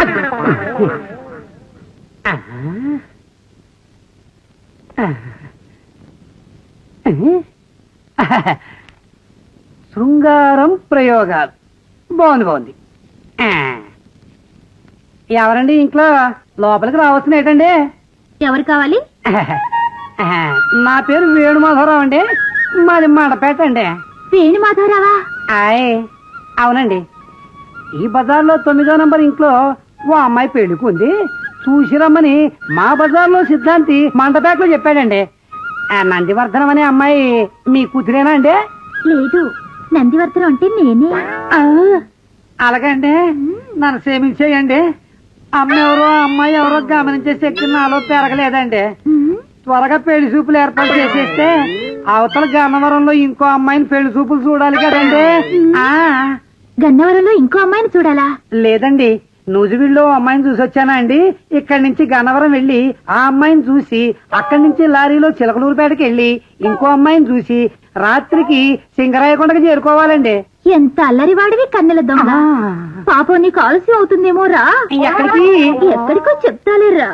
శృంగారం ప్రయోగాలు బాగుంది. ఎవరండి ఇంట్లో? లోపలికి రావాల్సిన ఏంటండి? ఎవరు కావాలి? నా పేరు వేణుమాధవరావు అండి, మాది మండపేట అండి. వేణుమాధవరావా? అవునండి. ఈ బజార్లో 9వ నంబర్ ఇంట్లో ఓ అమ్మాయి పెళ్లికుంది, చూసి రమ్మని మా బజార్లో సిద్ధాంతి మండపేటలో చెప్పాడండి. నందివర్ధనం అనే అమ్మాయి మీ కూతురేనా అండి? లేదు, నందివర్ధనం అంటే నేనే. అలాగండి, నన్ను క్షమించేయండి. అమ్మ ఎవరో అమ్మాయి ఎవరో గమనించే శక్తి నాలో పెరగలేదండి. త్వరగా పెళ్లి చూపులు ఏర్పాటు చేసేస్తే అవతల గన్నవరంలో ఇంకో అమ్మాయిని పెళ్లి చూపులు చూడాలి కదండి. గన్నవరంలో ఇంకో అమ్మాయిని చూడాలా? లేదండి, నూజివీడులో అమ్మాయిని చూసి వచ్చానా అండి. ఇక్కడి నుంచి గన్నవరం వెళ్లి ఆ అమ్మాయిని చూసి అక్కడి నుంచి లారీలో చిలకలూరుపేటకి వెళ్లి ఇంకో అమ్మాయిని చూసి రాత్రికి సింగరాయకొండకి చేరుకోవాలండి. ఎంత అల్లరివాడివి కన్నెల దొంగ. పాపం నీకు ఆలస్యం అవుతుందేమో రా. ఎక్కడికి? ఎక్కడికో చెప్తాలే రా.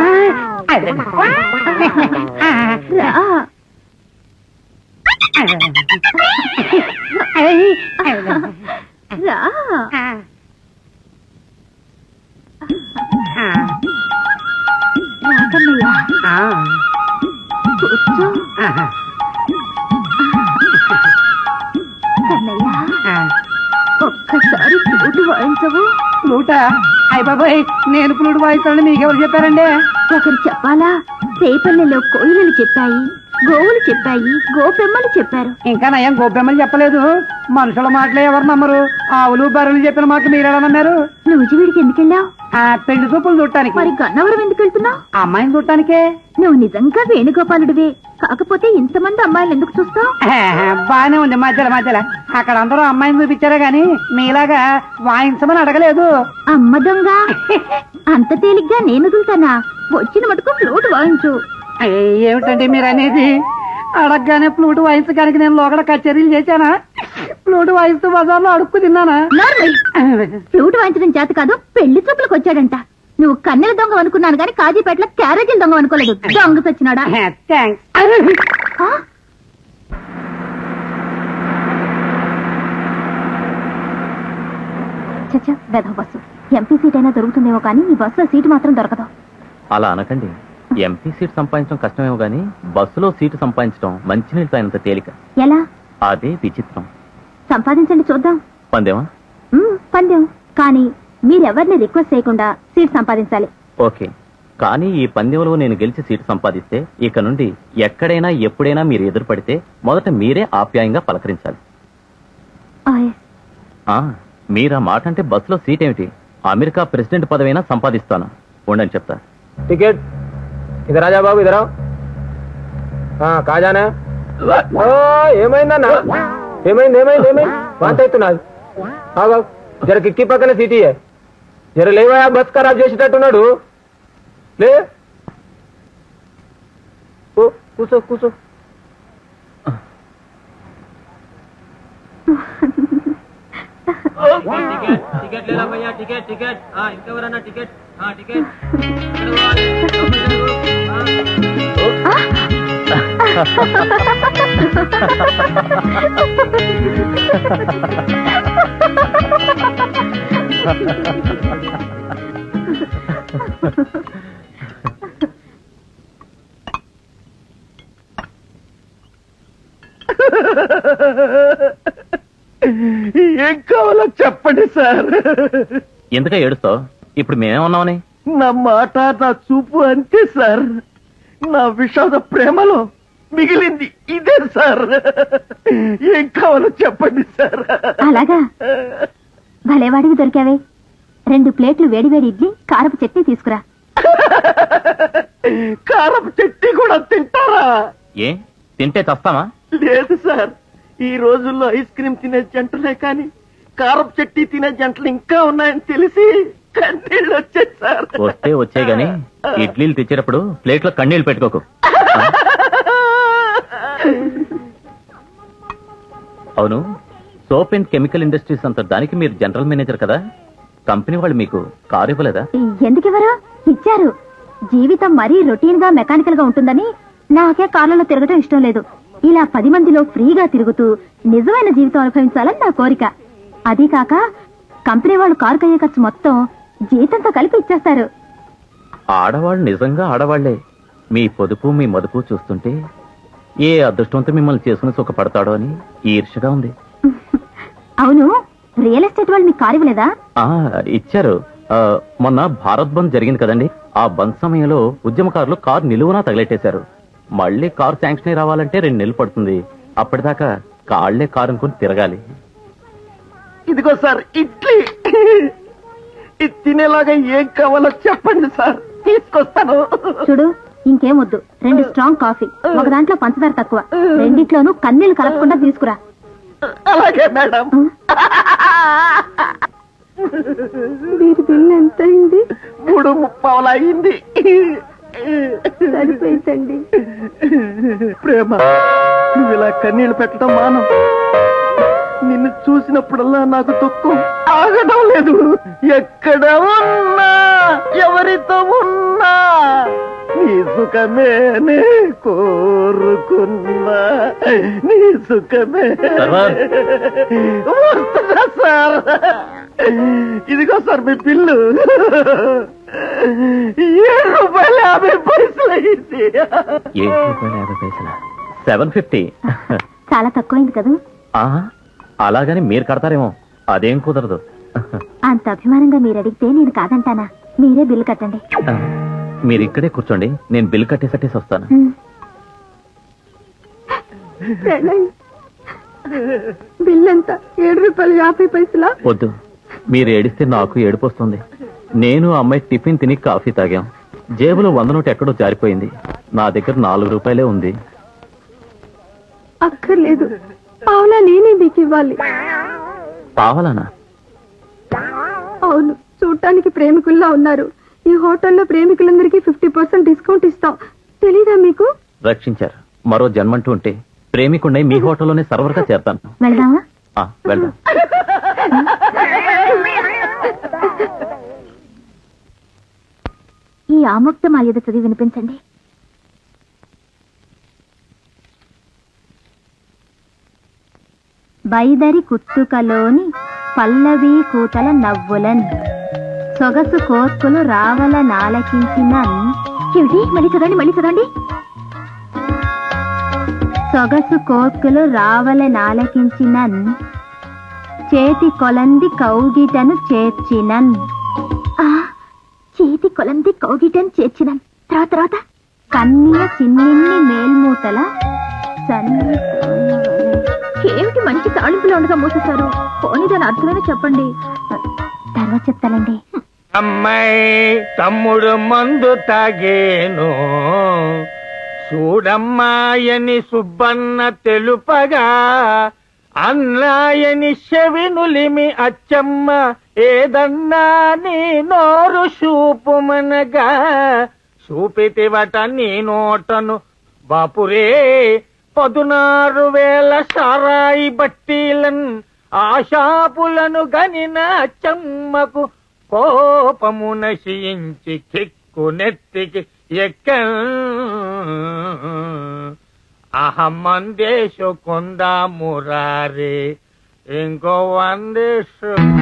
ఒక్కసారి ఫ్లూటు వాయించవు? ఫ్లూటా? అయ్య బాబాయ్, నేను ఫ్లూట్ వాయిస్తానని మీకెవరు చెప్పారండి? ఒకరు చెప్పాలా? రేపల్లెలో కోయిలలు చెప్పాయి, గోవులు చెప్పాయి, గోపెమ్మలు చెప్పారు. ఇంకా నయం గోపెమ్మలు చెప్పలేదు. మనుషుల మాటలే ఎవరు నమ్మరు. ఆవులు బర్రెలు చెప్పిన మాట మీరెలా నమ్మారు? నూజివీడికి ఎందుకెళ్ళావు? పెళ్లి చూపులు చూడటానికి. మరి గన్నవరం ఎందుకు వెళ్తున్నావు? అమ్మాయిని చూడటానికే. నువ్వు నిజంగా వేణుగోపాలుడివే, కాకపోతే ఇంతమంది అమ్మాయిలు ఎందుకు చూస్తావు? బానే ఉంది. మధ్యలో అక్కడ అందరూ అమ్మాయిని చూపించారే గాని మీలాగా వాయించమని అడగలేదు. అమ్మ దొంగ, అంత తేలిగ్గా నేను వదులుతానా? వచ్చిన మటుకు ఫ్లూట్ వాయించు. ఏమిటండి మీరు అనేది? అడగగానే ఫ్లూట్ వాయించడానికి నేను లోగడ కచేరీలు చేశానా? ఫ్లూట్ వాయిస్తూ బజార్లో అడుక్కు తిన్నానా? ఫ్లూట్ వాయించడం చేత కాదు, పెళ్లి చూపులకు వచ్చాడంట. నువ్వు కన్నెల దొంగ అనుకున్నాను గాని కాజీపేటలో క్యారేజీల దొంగ అనుకోలేదు. దొంగ సచ్చినాడా? చచ్చా, వెధవ బస్సు. ఎంపీ సీట్ అయినా దొరుకుతుందేమో కానీ ఈ బస్సులో సీటు మాత్రం దొరకదు. అలా అనకండి. ఎంపీ సీట్ సంపాదించడం కష్టమేమో గానీ బస్సులో సీటు సంపాదించడం మంచినీళ్ళు తాగినంత తేలిక. ఎలా? అదే విచిత్రం. సంపాదించండి చూద్దాం. పందేమా? పందెం. కానీ మీరెవరిని రిక్వెస్ట్ చేయకుండా సీట్ సంపాదించాలి. ఓకే, కానీ ఈ పందెంలో నేను గెలిచి సీటు సంపాదిస్తే ఇక నుండి ఎక్కడైనా ఎప్పుడైనా మీరు ఎదురుపడితే మొదట మీరే ఆప్యాయంగా పలకరించాలి. మీరా మాట అంటే బస్సులో సీట్ ఏమిటి, అమెరికా ప్రెసిడెంట్ పదవైనా సంపాదిస్తాను. ఉండని చెప్తా. టికెట్ ఇదరా రాజా బాబు, ఇదరా. కాజానా? ఏమైందన్నా? ఏమైంది? వాంత అవుతున్నది. జర కిక్కి పక్కన సీటీ జర లేవా, బస్ ఖరాబ్ చేసేటట్టున్నాడు. లే, కూర్చో. టికెట్ లేరా భయ్యా? టికెట్ ఇంకెవరన్నా? టికెట్ ఏం కావాలో చెప్పండి సార్. ఎందుక ఏడుస్తావు? ఇప్పుడు మేమేమన్నామని? నా మాట, నా చూపు అంతే సార్. నా విషాద ప్రేమలో మిగిలింది ఇదే సార్. ఏం కావాలో చెప్పండి సార్. అలాగా, భలేవాడివి దొరికావే. 2 ప్లేట్లు వేడివేడి ఇడ్లీ, కారపు చట్నీ తీసుకురా. కారపు చట్నీ కూడా తింటారా? ఏ, తింటే చస్తామా? లేదు సార్, ఈ రోజుల్లో ఐస్ క్రీమ్ తినే జంటలే కానీ కారపు చట్నీ తినే జంటలు ఇంకా ఉన్నాయని తెలిసి కన్నీళ్ళు వచ్చాయి సార్. వచ్చే గాని ఇడ్లీలు తెచ్చేటప్పుడు ప్లేట్లో కన్నీళ్లు పెట్టుకోకు. అవును, సోప్ అండ్ కెమికల్ ఇండస్ట్రీస్ అంత దానికి మీరు జనరల్ మేనేజర్ కదా, కంపెనీ వాళ్ళు మీకు కారు ఇవ్వలేదా? ఎందుకివ్వరు? ఇచ్చారు. జీవితం మరీ రొటీన్ గా మెకానికల్ గా ఉంటుందని నాకే కార్లలో తిరగటం ఇష్టం లేదు. ఇలా 10 మందిలో ఫ్రీగా తిరుగుతూ నిజమైన జీవితం అనుభవించాలని నా కోరిక. అదీ కాక కంపెనీ వాళ్ళు కారు కయ్యే ఖర్చు మొత్తం జీతంతో కలిపి ఇచ్చేస్తారు. ఆడవాళ్ళు నిజంగా ఆడవాళ్లే. మీ పొదుపు మీ మదుపు చూస్తుంటే ఏ అదృష్టంతో మిమ్మల్ని చేసుకుని సుఖపడతాడో అని ఈర్షగా ఉంది. అవును, రియల్ ఎస్టేట్ వాళ్ళు మీకు కారు ఇవ్వలేదా? ఇచ్చారు. మొన్న భారత్ బంద్ జరిగింది కదండి, ఆ బంద్ సమయంలో ఉద్యమకారులు కారు నిలువునా తగలెట్టేశారు. మళ్ళీ కారు శాంక్షన్ అయి రావాలంటే 2 నెలలు పడుతుంది. అప్పటిదాకా కాళ్లే కారు అనుకుని తిరగాలి. ఇదిగో సార్ ఇడ్లీ, ఇది తినేలాగా ఏం కావాలో చెప్పండి సార్, తీసుకొస్తాను. చూడు, ఇంకేం వద్దు. 2 స్ట్రాంగ్ కాఫీ, ఒక దాంట్లో పంచదార తక్కువ, రెండిట్లోనూ కన్నీళ్లు కలపకుండా తీసుకురా. అలాగే మేడం. మీరు బిల్ ఎంత అయింది? 3:30 అయింది. సరిపోయిందండి. ప్రేమ, నువ్వు ఇలా కన్నీళ్లు పెట్టడం మానం. నిన్ను చూసినప్పుడల్లా నాకు దుఃఖం ఆగడం లేదు. ఎక్కడ ఉన్నా ఎవరితో ఉన్నా నీ సుఖమేనే కోరుకున్నా, నీ సుఖమే. వస్తుందా సార్? ఇదిగో సార్ మీ బిల్లు, ₹7.50 అయింది. ₹7.50. 750. చాలా తక్కువైంది కదా? అలాగని మీరు కడతారేమో, అదేం కుదరదు. అంత అభిమానంగా మీరు అడిగితే నేను కాదంటానా? మీరే బిల్లు కట్టండి. మీరు ఇక్కడే కూర్చోండి, నేను బిల్ కట్టేసట్టేసి వస్తాను. బిల్ ఎంత? ₹7.50. వద్దు, మీరు ఏడిస్తే నాకు ఏడుపు వస్తుంది. నేను అమ్మాయి టిఫిన్ తిని కాఫీ తాగాం. జేబులో 100 నోటు ఎక్కడో జారిపోయింది. నా దగ్గర ₹4 ఉంది. అక్కర్లేదు, పావులా నేనే మీకు ఇవ్వాలి. పావలానా? అవును, చూడటానికి ప్రేమికుల్లా ఉన్నారు. ఈ హోటల్లో ప్రేమికులందరికీ 50% డిస్కౌంట్ ఇస్తాం. తెలీదా మీకు? రక్షించారు. మరో జన్మంటూ ఉంటే ప్రేమికుండై మీ హోటల్లోనే సర్వర్గా చేరతాను. వెళ్దామా? వెళ్దాం. ఈ ఆముక్త మాల్యద చదివి వినిపించండి. బైదరి కుత్తుకలోని పల్లవి కూతల నవ్వులన్ సొగసు కోర్కులు రావల నాలకించిన. మళ్ళీ చదవండి. సొగసు కోర్కులు రావల నాలకించినన్, చేతి కొలంది కౌగిటను చేర్చినన్. చేతి కొలంది కౌగిటను చేర్చినన్. తర్వాత కన్య చిన్నిన్ని మేల్మూతల సన్ని. ఏమిటి మంచి తాళింపులో ఉండగా మూసేశారు? పోనీ దాని అర్థమైనా చెప్పండి. తర్వాత చెప్తానండి. అమ్మాయి తమ్ముడు మందు తాగేను చూడమ్మాయని సుబ్బన్న తెలుపగా, అన్నాయని చెవినులిమి అచ్చమ్మ ఏదన్నా నీ నోరు చూపుమనగా, చూపితివట నీ నోటను బాపురే 16,000 సారాయి బట్టీలన్, ఆశాపులను గనిన అచ్చమ్మకు కోపము నశించి కిక్కు నెత్తికి అహమ్మందేశు కొందా మురారే ఇంకో 100